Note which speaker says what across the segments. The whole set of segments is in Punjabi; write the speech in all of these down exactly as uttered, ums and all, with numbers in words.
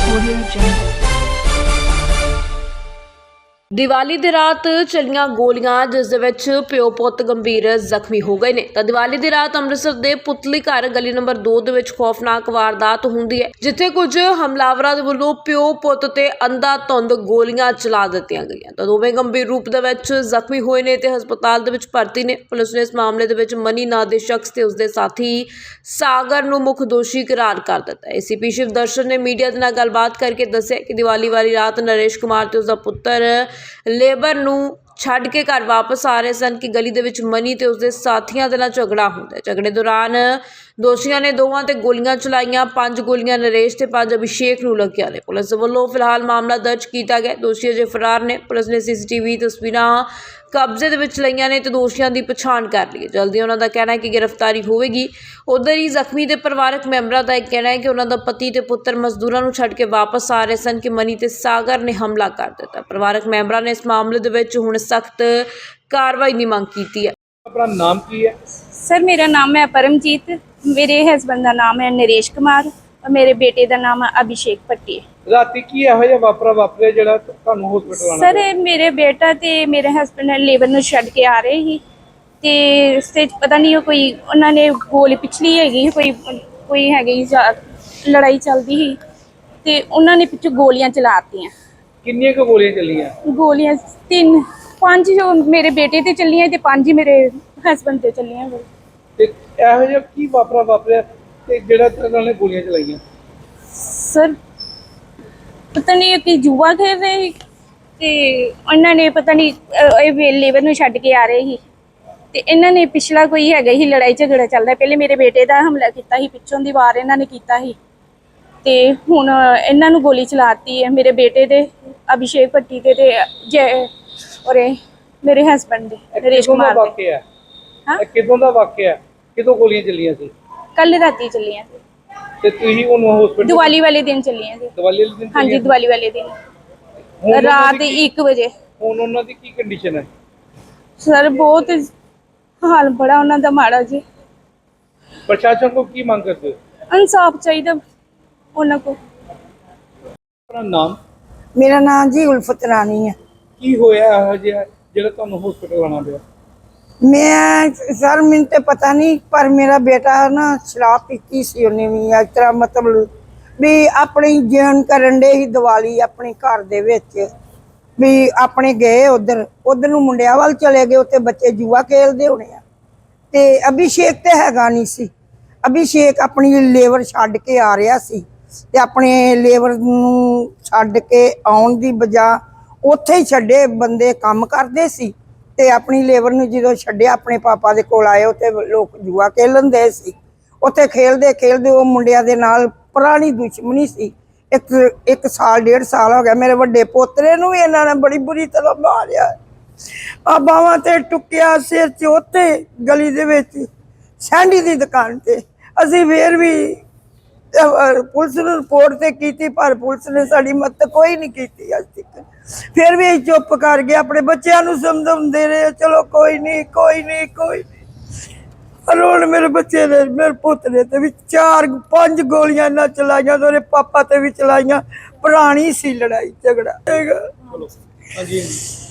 Speaker 1: Audio Jungle। ਦੀਵਾਲੀ ਦੀ ਰਾਤ ਚੱਲੀਆਂ ਗੋਲੀਆਂ ਜਿਸ ਦੇ ਵਿੱਚ ਪਿਓ ਪੁੱਤ ਗੰਭੀਰ ਜ਼ਖਮੀ ਹੋ ਗਏ ਨੇ ਤਾਂ ਦੀਵਾਲੀ ਦੀ ਰਾਤ ਅੰਮ੍ਰਿਤਸਰ ਦੇ ਪੁਤਲੀ ਘਰ ਗਲੀ ਨੰਬਰ ਦੋ ਦੇ ਵਿੱਚ ਖੌਫਨਾਕ ਵਾਰਦਾਤ ਹੁੰਦੀ ਹੈ ਜਿੱਥੇ ਕੁਝ ਹਮਲਾਵਰਾਂ ਦੇ ਵੱਲੋਂ ਪਿਓ ਪੁੱਤ ਤੇ ਅੰਧਾਧੁੰਦ ਗੋਲੀਆਂ ਚਲਾ ਦਿੱਤੀਆਂ ਗਈਆਂ ਤਾਂ ਦੋਵੇਂ ਗੰਭੀਰ ਰੂਪ ਦੇ ਵਿੱਚ ਜ਼ਖਮੀ ਹੋਏ ਨੇ ਤੇ ਹਸਪਤਾਲ ਦੇ ਵਿੱਚ ਭਰਤੀ ਨੇ। ਪੁਲਿਸ ਨੇ ਇਸ ਮਾਮਲੇ ਦੇ ਵਿੱਚ ਮਨੀ ਨਾਂ ਦੇ ਸ਼ਖਸ ਤੇ ਉਸਦੇ ਸਾਥੀ ਸਾਗਰ ਨੂੰ ਮੁੱਖ ਦੋਸ਼ੀ ਕਰਾਰ ਕਰ ਦਿੱਤਾ ਹੈ। ਏਸੀਪੀ ਸ਼ਿਵ ਦਰਸ਼ਨ ਨੇ ਮੀਡੀਆ ਦੇ ਨਾਲ ਗੱਲਬਾਤ ਕਰਕੇ ਦੱਸਿਆ ਕਿ ਦੀਵਾਲੀ ਵਾਲੀ ਰਾਤ ਨਰੇਸ਼ ਕੁਮਾਰ ਤੇ ਉਸਦਾ ਪੁੱਤਰ ਲੇਬਰ ਨੂੰ ਛੱਡ ਕੇ ਘਰ ਵਾਪਸ ਆ ਰਹੇ ਸਨ ਕਿ ਗਲੀ ਦੇ ਵਿੱਚ ਮਨੀ ਤੇ ਉਸਦੇ ਸਾਥੀਆਂ ਦੇ ਨਾਲ ਝਗੜਾ ਹੁੰਦਾ ਹੈ। ਝਗੜੇ ਦੌਰਾਨ ਦੋਸ਼ੀਆਂ ਨੇ ਦੋਵਾਂ ਤੇ ਗੋਲੀਆਂ ਚਲਾਈਆਂ। ਪੰਜ ਗੋਲੀਆਂ ਨਰੇਸ਼ ਤੇ ਪੰਜ ਅਭਿਸ਼ੇਕ ਨੂੰ ਲੱਗੀਆਂ ਨੇ। ਪੁਲਿਸ ਵੱਲੋਂ ਫਿਲਹਾਲ ਮਾਮਲਾ ਦਰਜ ਕੀਤਾ ਗਿਆ। ਦੋਸ਼ੀ ਅਜੇ ਫਰਾਰ ਨੇ। ਪੁਲਿਸ ਨੇ ਸੀਸੀਟੀਵੀ ਤਸਵੀਰਾਂ ਕਬਜ਼ੇ ਦੇ ਵਿੱਚ ਲਈਆਂ ਨੇ ਤੇ ਦੋਸ਼ੀਆਂ ਦੀ ਪਛਾਣ ਕਰ ਲਈ ਹੈ। ਜਲਦੀ ਉਹਨਾਂ ਦਾ ਕਹਿਣਾ ਹੈ ਕਿ ਗ੍ਰਿਫਤਾਰੀ ਹੋਵੇਗੀ। ਉਧਰ ਹੀ ਜ਼ਖਮੀ ਦੇ ਪਰਿਵਾਰਕ ਮੈਂਬਰਾਂ ਦਾ ਇਹ ਕਹਿਣਾ ਹੈ ਕਿ ਉਹਨਾਂ ਦਾ ਪਤੀ ਤੇ ਪੁੱਤਰ ਮਜ਼ਦੂਰਾਂ ਨੂੰ ਛੱਡ ਕੇ ਵਾਪਸ ਆ ਰਹੇ ਸਨ ਕਿ ਮਨੀ ਤੇ ਸਾਗਰ ਨੇ ਹਮਲਾ ਕਰ ਦਿੱਤਾ। ਪਰਿਵਾਰਕ ਮੈਂਬਰਾਂ ਨੇ ਇਸ ਮਾਮਲੇ ਦੇ ਵਿੱਚ ਹੁਣ ਸਖਤ ਕਾਰਵਾਈ ਦੀ ਮੰਗ ਕੀਤੀ ਹੈ।
Speaker 2: ਆਪਣਾ ਨਾਮ ਕੀ ਹੈ?
Speaker 3: सर मेरा नाम है परमजीत, मेरे हस्बैंड का नाम है नरेश कुमार और मेरे बेटे का नाम है अभिषेक भट्टी।
Speaker 2: ਰਾਤੀ ਕੀ ਇਹੋ ਜਿਹਾ ਵਾਪਰਾ ਵਾਪਰਿਆ ਜਿਹੜਾ ਤੁਹਾਨੂੰ ਹਸਪੀਟਲ ਆਣਾ?
Speaker 3: सर मेरे बेटा ते मेरे हस्बैंड लेबर ਨੂੰ ਛੱਡ ਕੇ ਆ ਰਹੇ ਸੀ ਤੇ ਰਸਤੇ 'ਚ ਪਤਾ ਨਹੀਂ ਉਹ ਕੋਈ ਉਹਨਾਂ ਨੇ ਗੋਲੀ ਪਿਛਲੀ ਹੈਗੀ ਕੋਈ ਕੋਈ ਹੈਗੀ ਲੜਾਈ ਚੱਲਦੀ ਸੀ ਤੇ ਉਹਨਾਂ ਨੇ ਪਿੱਛੋਂ ਗੋਲੀਆਂ ਚਲਾਤੀਆਂ।
Speaker 2: ਕਿੰਨੀਆਂ ਕੁ ਗੋਲੀਆਂ ਚੱਲੀਆਂ?
Speaker 3: ਗੋਲੀਆਂ ਤਿੰਨ ਪੰਜ ਜੋ ਮੇਰੇ ਬੇਟੇ ਤੇ ਚੱਲੀਆਂ ਤੇ ਪੰਜ ਹੀ ਮੇਰੇ ਹਸਬੈਂਡ ਤੇ ਚੱਲੀਆਂ।
Speaker 2: ਤੇ ਇਹੋ ਜਿਹਾ ਕੀ ਵਾਪਰਾ ਵਾਪਰਿਆ ਤੇ ਜਿਹੜਾ ਉਹਨਾਂ ਨੇ ਗੋਲੀਆਂ ਚਲਾਈਆਂ?
Speaker 3: ਸਰ ਪਤਾ ਨਹੀਂ ਕਿ ਜੂਆ ਖੇਡ ਰਹੇ ਸੀ ਤੇ ਉਹਨਾਂ ਨੇ ਪਤਾ ਨਹੀਂ ਇਹ ਲੇਬਰ ਨੂੰ ਛੱਡ ਕੇ ਆ ਰਹੇ ਸੀ ਤੇ ਇਹਨਾਂ ਨੇ ਪਿਛਲਾ ਕੋਈ ਹੈਗਾ ਹੀ ਲੜਾਈ ਝਗੜਾ ਚੱਲਦਾ। ਪਹਿਲੇ ਮੇਰੇ ਬੇਟੇ ਦਾ ਹਮਲਾ ਕੀਤਾ ਸੀ, ਪਿੱਛੋਂ ਦੀ ਵਾਰ ਇਹਨਾਂ ਨੇ ਕੀਤਾ ਸੀ ਤੇ ਹੁਣ ਇਹਨਾਂ ਨੂੰ ਗੋਲੀ ਚਲਾਤੀ ਹੈ ਮੇਰੇ ਬੇਟੇ ਦੇ ਅਭਿਸ਼ੇਕ ਭੱਟੀ ਤੇ ਤੇ ਜੈ ਔਰ ਮੇਰੇ ਹਸਬੈਂਡ ਦੇ ਨਰੇਸ਼ ਕੁਮਾਰ ਦੇ।
Speaker 2: ਵਾਕਿਆ ਹੈ ਹਾਂ ਕਿਦੋਂ ਦਾ ਵਾਕਿਆ ਹੈ? ਕਿਦੋਂ ਗੋਲੀਆਂ ਚੱਲੀਆਂ ਸੀ?
Speaker 3: ਕੱਲ ਰਾਤੀ ਚੱਲੀਆਂ ਸੀ
Speaker 2: ਤੇ ਤੁਸੀਂ ਉਹਨੂੰ ਹਸਪੀਟਲ
Speaker 3: ਦੀਵਾਲੀ ਵਾਲੇ ਦਿਨ ਚੱਲੀਆਂ ਸੀ।
Speaker 2: ਦੀਵਾਲੀ ਵਾਲੇ ਦਿਨ?
Speaker 3: ਹਾਂਜੀ ਦੀਵਾਲੀ ਵਾਲੇ ਦਿਨ ਰਾਤ ਇੱਕ ਵਜੇ।
Speaker 2: ਹੁਣ ਉਹਨਾਂ ਦੀ ਕੀ ਕੰਡੀਸ਼ਨ ਹੈ?
Speaker 3: ਸਰ ਬਹੁਤ ਹਾਲ ਬੜਾ ਉਹਨਾਂ ਦਾ ਮਾੜਾ ਜੀ।
Speaker 2: ਪ੍ਰਸ਼ਾਸਨ ਕੋ ਕੀ ਮੰਗ ਕਰਦੇ ਹੋ?
Speaker 3: ਇਨਸਾਫ ਚਾਹੀਦਾ ਉਹਨਾਂ ਕੋ।
Speaker 2: ਆਪਣਾ ਨਾਮ?
Speaker 4: ਮੇਰਾ ਨਾਮ ਜੀ ਉਲਫਤ ਰਾਣੀ ਹੈ।
Speaker 2: ਕੀ ਹੋਇਆ ਇਹੋ ਜਿਹਾ ਜਿਹੜਾ ਤੁਹਾਨੂੰ ਹਸਪੀਟਲ ਆਣਾ ਪਿਆ?
Speaker 4: ਮੈਂ ਸਰ ਮੈਨੂੰ ਤੇ ਪਤਾ ਨਹੀਂ ਪਰ ਮੇਰਾ ਬੇਟਾ ਨਾ ਸ਼ਰਾਬ ਪੀਤੀ ਸੀ ਉਹਨੇ ਵੀ ਇਸ ਤਰ੍ਹਾਂ ਮਤਲਬ ਵੀ ਆਪਣੀ ਜੀਵਨ ਕਰਨ ਦੇ ਹੀ ਦੀਵਾਲੀ ਆਪਣੇ ਘਰ ਦੇ ਵਿੱਚ ਵੀ ਆਪਣੇ ਗਏ ਉਧਰ ਉਧਰ ਨੂੰ ਮੁੰਡਿਆਂ ਵੱਲ ਚਲੇ ਗਏ। ਉੱਥੇ ਬੱਚੇ ਜੂਆ ਖੇਲਦੇ ਹੋਣੇ ਆ ਤੇ ਅਭਿਸ਼ੇਕ ਤੇ ਹੈਗਾ ਨਹੀਂ ਸੀ। ਅਭਿਸ਼ੇਕ ਆਪਣੀ ਲੇਬਰ ਛੱਡ ਕੇ ਆ ਰਿਹਾ ਸੀ ਤੇ ਆਪਣੇ ਲੇਬਰ ਨੂੰ ਛੱਡ ਕੇ ਆਉਣ ਦੀ ਬਜਾ ਉੱਥੇ ਹੀ ਛੱਡੇ ਬੰਦੇ ਕੰਮ ਕਰਦੇ ਸੀ ਤੇ ਆਪਣੀ ਲੇਬਰ ਨੂੰ ਜਦੋਂ ਛੱਡਿਆ ਆਪਣੇ ਪਾਪਾ ਦੇ ਕੋਲ ਆਏ ਉੱਥੇ ਲੋਕ ਜੂਆ ਖੇਲਣ ਦੇ ਸੀ। ਉੱਥੇ ਖੇਲਦੇ ਖੇਲਦੇ ਉਹ ਮੁੰਡਿਆਂ ਦੇ ਨਾਲ ਪੁਰਾਣੀ ਦੁਸ਼ਮਣੀ ਸੀ। ਇੱਕ ਇੱਕ ਸਾਲ ਡੇਢ ਸਾਲ ਹੋ ਗਿਆ। ਮੇਰੇ ਵੱਡੇ ਪੋਤਰੇ ਨੂੰ ਵੀ ਇਹਨਾਂ ਨੇ ਬੜੀ ਬੁਰੀ ਤਰ੍ਹਾਂ ਮਾਰਿਆ ਆ ਬਾਹਾਂ ਤੇ ਟੁੱਕਿਆ ਸਿਰ 'ਚ। ਉੱਥੇ ਗਲੀ ਦੇ ਵਿੱਚ ਸੈਂਡੀ ਦੀ ਦੁਕਾਨ ਤੇ ਅਸੀਂ ਫੇਰ ਵੀ ਪੁਲਿਸ ਨੂੰ ਰਿਪੋਰਟ ਤੇ ਕੀਤੀ ਪਰ ਪੁਲਿਸ ਨੇ ਸਾਡੀ ਮਦਦ ਕੋਈ ਨਹੀਂ ਕੀਤੀ ਅੱਜ ਤੱਕ। ਫਿਰ ਵੀ ਅਸੀਂ ਚੁੱਪ ਕਰ ਗਏ। ਆਪਣੇ ਬੱਚਿਆਂ ਨੂੰ ਸਮਝਾਉਂਦੇ ਰਹੇ ਚਲੋ ਕੋਈ ਨਹੀਂ ਕੋਈ ਨਹੀਂ ਕੋਈ ਨਹੀਂ। ਹੁਣ ਮੇਰੇ ਬੱਚੇ ਨੇ ਮੇਰੇ ਪੁੱਤ ਨੇ ਤੇ ਵੀ ਚਾਰ ਪੰਜ ਗੋਲੀਆਂ ਇਹਨਾਂ ਚਲਾਈਆਂ ਤੇ ਉਹਦੇ ਪਾਪਾ ਤੇ ਵੀ ਚਲਾਈਆਂ। ਪੁਰਾਣੀ ਸੀ ਲੜਾਈ ਝਗੜਾ
Speaker 2: ਹਾਂਜੀ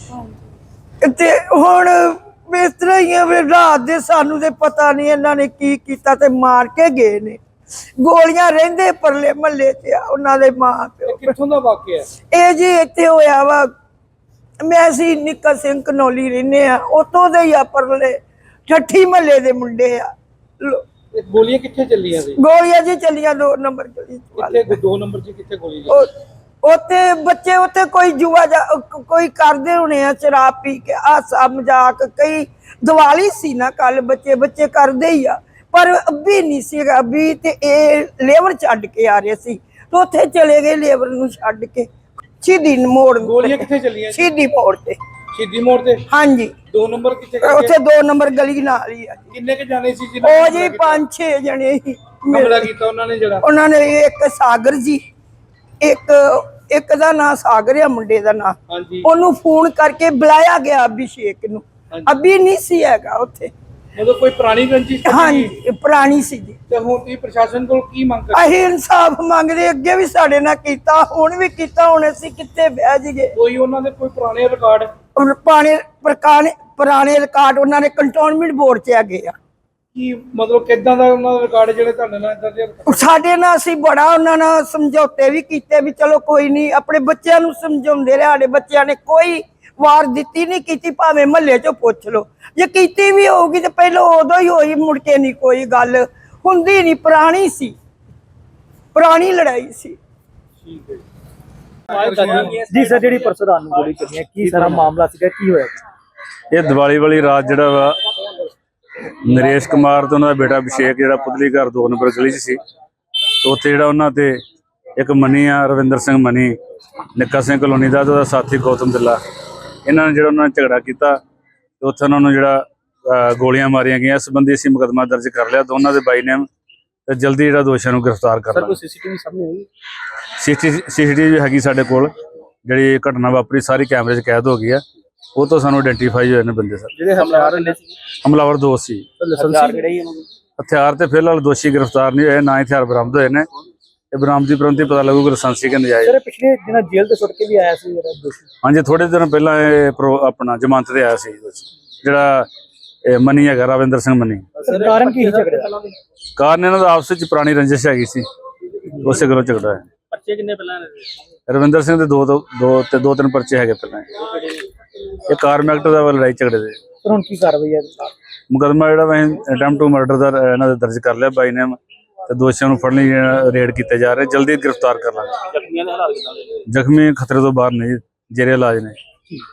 Speaker 4: ਤੇ ਹੁਣ ਇਸ ਤਰ੍ਹਾਂ ਹੀ ਆ ਵੀ ਰਾਤ ਦੇ ਸਾਨੂੰ ਤੇ ਪਤਾ ਨਹੀਂ ਇਹਨਾਂ ਨੇ ਕੀ ਕੀਤਾ ਤੇ ਮਾਰ ਕੇ ਗਏ ਨੇ। ਗੋਲੀਆਂ ਰਹਿੰਦੇ ਪਰਲੇ ਮਹੱਲੇ 'ਚ ਆ ਉਹਨਾਂ ਦੇ ਮਾਂ ਪਿਓ।
Speaker 2: ਕਿੱਥੋਂ ਦਾ ਵਾਕਿਆ?
Speaker 4: ਇਹ ਜੀ ਇੱਥੇ ਹੋਇਆ ਵਾ ਮੈਂ ਅਸੀਂ ਨਿੱਕਾ ਸਿੰਘ ਕਨੌਲੀ ਰਹਿੰਦੇ ਆ ਉੱਥੋਂ ਦੇ ਹੀ ਆ ਪਰਲੇ ਠੱਠੀ ਮਹੱਲੇ ਦੇ ਮੁੰਡੇ ਆ।
Speaker 2: ਗੋਲੀਆਂ ਕਿੱਥੇ ਚੱਲੀਆਂ ਸੀ?
Speaker 4: ਗੋਲੀਆਂ ਜੀ ਚੱਲੀਆਂ ਦੋ ਨੰਬਰ ਗਲੀ
Speaker 2: ਕਿੱਥੇ? ਦੋ ਨੰਬਰ 'ਚ ਕਿੱਥੇ ਗੋਲੀ ਚੱਲੀ?
Speaker 4: ਉੱਥੇ ਬੱਚੇ ਉੱਥੇ ਕੋਈ ਜੂਆ ਕੋਈ ਕਰਦੇ ਹੋਣੇ ਆ ਸ਼ਰਾਬ ਪੀ ਕੇ ਹਾਸਾ ਮਜ਼ਾਕ। ਕਈ ਦੀਵਾਲੀ ਸੀ ਨਾ ਕੱਲ ਬੱਚੇ ਬੱਚੇ ਕਰਦੇ ਹੀ ਆ ਪਰ ਅੱਬੀ ਨਹੀਂ ਸੀਗਾ। ਅੱਬੀ ਤੇ ਇਹ ਲੇਬਰ ਛੱਡ ਕੇ ਆ ਰਹੇ ਸੀ ਤੇ ਉੱਥੇ ਚਲੇ ਗਏ ਲੇਬਰ ਨੂੰ ਛੱਡ ਕੇ ਸ਼ਹੀਦੀ ਮੋੜ।
Speaker 2: ਗੋਲੀਆਂ ਕਿੱਥੇ ਚੱਲੀਆਂ?
Speaker 4: ਸ਼ਹੀਦੀ ਮੋੜ ਤੇ।
Speaker 2: ਸ਼ਹੀਦੀ ਮੋੜ ਤੇ?
Speaker 4: ਹਾਂਜੀ।
Speaker 2: ਦੋ ਨੰਬਰ ਕਿੱਥੇ?
Speaker 4: ਉੱਥੇ ਦੋ ਨੰਬਰ ਗਲੀ ਨਾਲ ਹੀ ਆ।
Speaker 2: ਕਿੰਨੇ ਕੇ ਜਾਣੇ ਸੀ ਜੀ?
Speaker 4: ਉਹ ਜੀ ਪੰਜ ਛੇ ਜਣੇ ਸੀ।
Speaker 2: ਹਮਲਾ ਕੀਤਾ ਉਹਨਾਂ ਨੇ ਜਿਹੜਾ?
Speaker 4: ਉਹਨਾਂ ਨੇ ਇੱਕ ਸਾਗਰ ਜੀ ਇੱਕ ਇੱਕ ਦਾ ਨਾਂ ਸਾਗਰ ਆ ਮੁੰਡੇ ਦਾ ਨਾਂ।
Speaker 2: ਹਾਂਜੀ।
Speaker 4: ਉਹਨੂੰ ਫੋਨ ਕਰਕੇ ਬੁਲਾਇਆ ਗਿਆ ਅਭਿਸ਼ੇਕ ਨੂੰ। ਅਭੀ ਨਹੀਂ ਸੀ ਹੈਗਾ ਉੱਥੇ
Speaker 2: ਮਤਲਬ ਕੋਈ ਪੁਰਾਣੀ ਰੰਜਿਸ਼ ਤਾਂ ਨਹੀਂ
Speaker 4: ਹਾਂਜੀ ਇਹ ਪੁਰਾਣੀ ਸੀ ਜੀ।
Speaker 2: ਤੇ ਹੁਣ ਤੁਸੀਂ ਪ੍ਰਸ਼ਾਸਨ ਕੋਲ ਕੀ ਮੰਗ ਕਰਦੇ
Speaker 4: ਅਸੀਂ ਇਨਸਾਫ ਮੰਗਦੇ, ਅੱਗੇ ਵੀ ਸਾਡੇ ਨਾਲ ਕੀਤਾ, ਹੁਣ ਵੀ ਕੀਤਾ, ਹੁਣ ਅਸੀਂ ਕਿੱਥੇ ਬਹਿ ਜਾਈਏ।
Speaker 2: ਕੋਈ ਉਹਨਾਂ ਦੇ ਕੋਈ ਪੁਰਾਣੇ ਰਿਕਾਰਡ
Speaker 4: ਹੁਣ ਪੁਰਾਣੇ ਪੁਰਾਣੇ ਪੁਰਾਣੇ ਰਿਕਾਰਡ ਉਹਨਾਂ ਨੇ ਕੰਟੋਨਮੈਂਟ ਬੋਰਡ 'ਚ ਹੈਗੇ ਆ।
Speaker 2: ਕੀ ਮਤਲਬ ਕਿੱਦਾਂ ਦਾ ਉਹਨਾਂ ਦਾ ਰਿਕਾਰਡ ਜਿਹੜੇ ਤੁਹਾਡੇ ਨਾਲ ਇਦਾਂ ਦੇ
Speaker 4: ਸਾਡੇ ਨਾਲ ਅਸੀਂ ਬੜਾ ਉਹਨਾਂ ਨਾਲ ਸਮਝੌਤੇ ਵੀ ਕੀਤੇ ਵੀ ਚਲੋ ਕੋਈ ਨਹੀਂ, ਆਪਣੇ ਬੱਚਿਆਂ ਨੂੰ ਸਮਝਾਉਂਦੇ ਰਹੇ। ਸਾਡੇ ਬੱਚਿਆਂ ਨੇ ਕੋਈ ਵਾਰ ਦਿੱਤੀ ਨਹੀਂ ਕੀਤੀ, ਭਾਵੇਂ ਮਹੱਲੇ 'ਚੋਂ ਪੁੱਛ ਲਓ। ਜੇ ਕੀਤੀ ਵੀ ਹੋਊਗੀ ਤੇ ਪਹਿਲਾਂ ਉਦੋਂ ਹੀ ਹੋਈ, ਮੁੜ ਕੇ ਨਹੀਂ ਕੋਈ ਗੱਲ ਹੁੰਦੀ ਨਹੀਂ। ਪੁਰਾਣੀ ਸੀ, ਪੁਰਾਣੀ ਲੜਾਈ ਸੀ।
Speaker 2: ਠੀਕ ਹੈ
Speaker 5: ਜੀ ਸਰ, ਜਿਹੜੀ ਪਰਸੋਂ ਰਾਤ ਨੂੰ ਗੋਲੀ ਚੱਲੀ ਹੈ, ਕੀ ਸਾਰਾ ਮਾਮਲਾ ਸੀਗਾ, ਕੀ ਹੋਇਆ?
Speaker 6: ਇਹ ਦੀਵਾਲੀ ਵਾਲੀ ਰਾਤ ਜਿਹੜਾ ਵਾ ਨਰੇਸ਼ ਕੁਮਾਰ ਤੇ ਉਹਨਾਂ ਦਾ ਬੇਟਾ ਅਭਿਸ਼ੇਕ ਜਿਹੜਾ ਪੁਤਲੀ ਘਰ ਦੋ ਨੰਬਰ ਗਲੀ 'ਚ ਸੀ, ਤੇ ਉੱਥੇ ਜਿਹੜਾ ਉਹਨਾਂ ਤੇ ਇੱਕ ਮਨੀ ਆ ਰਵਿੰਦਰ ਸਿੰਘ ਮਨੀ, ਨਿੱਕਾ ਸਿੰਘ ਕਲੋਨੀ ਦਾ ਤੇ ਉਹਦਾ ਸਾਥੀ ਗੌਤਮ ਦਿੱਲਾ, ਇਹਨਾਂ ਨੇ ਜਿਹੜਾ ਉਹਨਾਂ ਨੇ ਝਗੜਾ ਕੀਤਾ ਤੇ ਉੱਥੇ ਉਹਨਾਂ ਨੂੰ ਜਿਹੜਾ ਅਹ ਗੋਲੀਆਂ ਮਾਰੀਆਂ ਗਈਆਂ। ਇਸ ਸੰਬੰਧੀ ਅਸੀਂ ਮੁਕੱਦਮਾ ਦਰਜ ਕਰ ਲਿਆ ਦੋਨਾਂ ਦੇ ਬਾਈ ਨੇਮ, ਤੇ ਜਲਦੀ ਜਿਹੜਾ ਦੋਸ਼ੀਆਂ ਨੂੰ ਗ੍ਰਿਫਤਾਰ ਕਰ
Speaker 5: ਸਰ,
Speaker 6: ਲਾਂਗੇ।
Speaker 5: ਕੋਈ ਸੀਸੀਟੀਵੀ ਸਾਹਮਣੇ ਆਈ?
Speaker 6: ਸੀਸੀਟੀਵੀ ਹੈਗੀ ਸਾਡੇ ਕੋਲ, ਜਿਹੜੀ ਘਟਨਾ ਵਾਪਰੀ ਸਾਰੀ ਕੈਮਰੇ 'ਚ ਕੈਦ ਹੋ ਗਈ ਆ, ਉਹ ਤੋਂ ਸਾਨੂੰ ਆਇਡੈਂਟੀਫਾਈ ਹੋਏ ਨੇ ਬੰਦੇ ਸਰ।
Speaker 5: ਜਿਹੜੇ ਹਮਲਾਵਰ ਨੇ
Speaker 6: ਹਮਲਾਵਰ ਦੋ ਸੀ।
Speaker 5: ਲਾਇਸੈਂਸ ਕਿਹੜੇ ਹੀ ਉਹਨਾਂ ਨੂੰ?
Speaker 6: ਹਥਿਆਰ ਤੇ ਫਿਲਹਾਲ ਦੋਸ਼ੀ ਗ੍ਰਿਫਤਾਰ ਨਹੀਂ ਹੋਏ, ਨਾ ਹਥਿਆਰ ਬਰਾਮਦ ਹੋਏ ਨੇ। ਇਹ ਬਰਾਮਦੀ ਪ੍ਰੰਤੀ ਪਤਾ ਲੱਗੂਗਾ ਲਾਇਸੈਂਸੀ ਕਿ ਨਜਾਇਜ਼।
Speaker 5: ਸਰ, ਪਿਛਲੇ ਦਿਨਾਂ ਜੇਲ੍ਹ ਤੋਂ ਛੁੱਟ ਕੇ ਵੀ ਆਇਆ ਸੀ ਜਿਹੜਾ ਦੋਸ਼ੀ।
Speaker 6: ਹਾਂਜੀ, ਥੋੜੇ ਦਿਨ ਪਹਿਲਾਂ ਇਹ ਪ੍ਰੋ- ਆਪਣਾ ਜ਼ਮਾਨਤ ਤੇ ਆਇਆ ਸੀ ਦੋਸ਼ੀ, ਜਿਹੜਾ ਇਹ ਮਨੀ ਹੈਗਾ ਰਵਿੰਦਰ ਸਿੰਘ ਮਨੀ।
Speaker 5: ਸਰ, ਕਾਰਨ ਕੀ ਸੀ ਝਗੜੇ ਦਾ?
Speaker 6: ਕਾਰਨ ਇਹਨਾਂ ਦਾ ਆਪਸ ਵਿੱਚ ਪੁਰਾਣੀ ਰੰਜਿਸ਼ ਹੈਗੀ ਸੀ, ਉਸੇ ਗੱਲੋਂ ਝਗੜਾ ਹੈ।
Speaker 5: ਬੱਚੇ ਕਿੰਨੇ ਪਹਿਲਾਂ?
Speaker 6: ਰਵਿੰਦਰ ਸਿੰਘ ਦੇ ਦੋ ਦੋ ਦੋ ਤੇ ਦੋ ਤਿੰਨ ਪਰਚੇ ਹੈਗੇ ਪਹਿਲਾਂ। ਇਹ ਕਾਰਮ ਐਕਟ ਦਾ ਵਾ ਲੜਾਈ ਝਗੜੇ ਦੇ।
Speaker 5: ਸਰ, ਹੁਣ ਕੀ ਕਾਰਵਾਈ ਹੈ?
Speaker 6: ਮੁਕੱਦਮਾ ਜਿਹੜਾ ਅਸੀਂ ਅਟੈਂਪਟ ਟੂ ਮਰਡਰ ਦਾ ਇਹਨਾਂ ਦੇ ਦਰਜ ਕਰ ਲਿਆ ਬਾਈ ਨੇਮ, ਤੇ ਦੋਸ਼ੀਆਂ ਨੂੰ ਫੜਨ ਲਈ ਰੇਡ ਕੀਤੇ ਜਾ ਰਹੇ, ਜਲਦੀ ਗ੍ਰਿਫਤਾਰ ਕਰ ਲਾਂਗੇ।
Speaker 5: ਜ਼ਖਮੀਆਂ ਦੇ ਹਾਲਾਤ ਕਿਦਾਂ?
Speaker 6: ਜ਼ਖਮੀ ਖਤਰੇ ਤੋਂ ਬਾਹਰ ਨਹੀਂ, ਜੇਰੇ ਇਲਾਜ ਨੇ।